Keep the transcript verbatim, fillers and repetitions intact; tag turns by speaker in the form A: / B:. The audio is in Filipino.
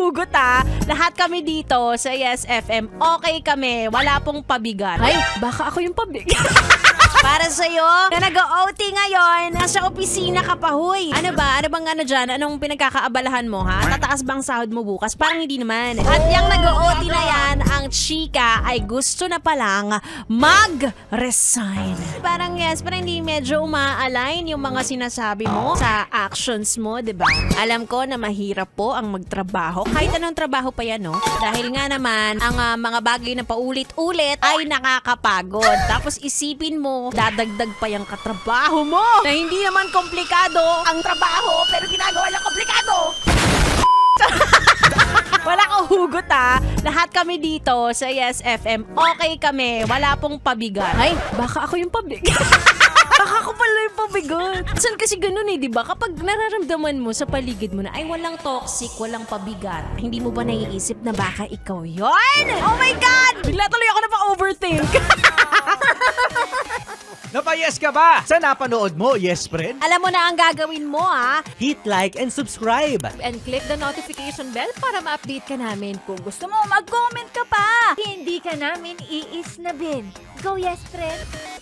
A: hugot ha. Lahat kami dito sa Yes F M, okay kami. Wala pong pabigat. Ay, baka ako yung pabigat. Para sa'yo, na nag-O T ngayon, nasa opisina ka pa, huy. Ano ba? Ano bang ano dyan? Anong pinagkakaabalahan mo, ha? Tataas bang sahod mo bukas? Parang hindi naman. At yung nag-O T na yan, ang chika ay gusto na palang mag-resign. Parang yes, parang hindi medyo uma-align yung mga sinasabi mo sa actions mo, di ba? Alam ko na mahirap po ang magtrabaho. Kahit anong trabaho pa yan, no? Dahil nga naman, ang uh, mga bagay na paulit-ulit ay nakakapagod. Tapos isipin mo, dadagdag pa yung katrabaho mo na hindi naman komplikado ang trabaho pero ginagawa lang komplikado. Wala kang hugot ha. Lahat kami dito sa Yes F M, okay kami. Wala pong pabigat. Ay, baka ako yung pabigat. Baka ako pala yung pabigat. Saan kasi ganun eh, di ba? Kapag nararamdaman mo sa paligid mo na ay walang toxic, walang pabigat, hindi mo ba naiisip na baka ikaw yon? Oh my God! Bigla tuloy ako na pa-overthink.
B: Napayes ka ba? Sa napanood mo, yes friend?
A: Alam mo na ang gagawin mo ha.
B: Hit like and subscribe.
A: And click the notification bell para ma-update ka namin. Kung gusto mo, mag-comment ka pa.
C: Hindi ka namin iisnabin. Go yes, friend!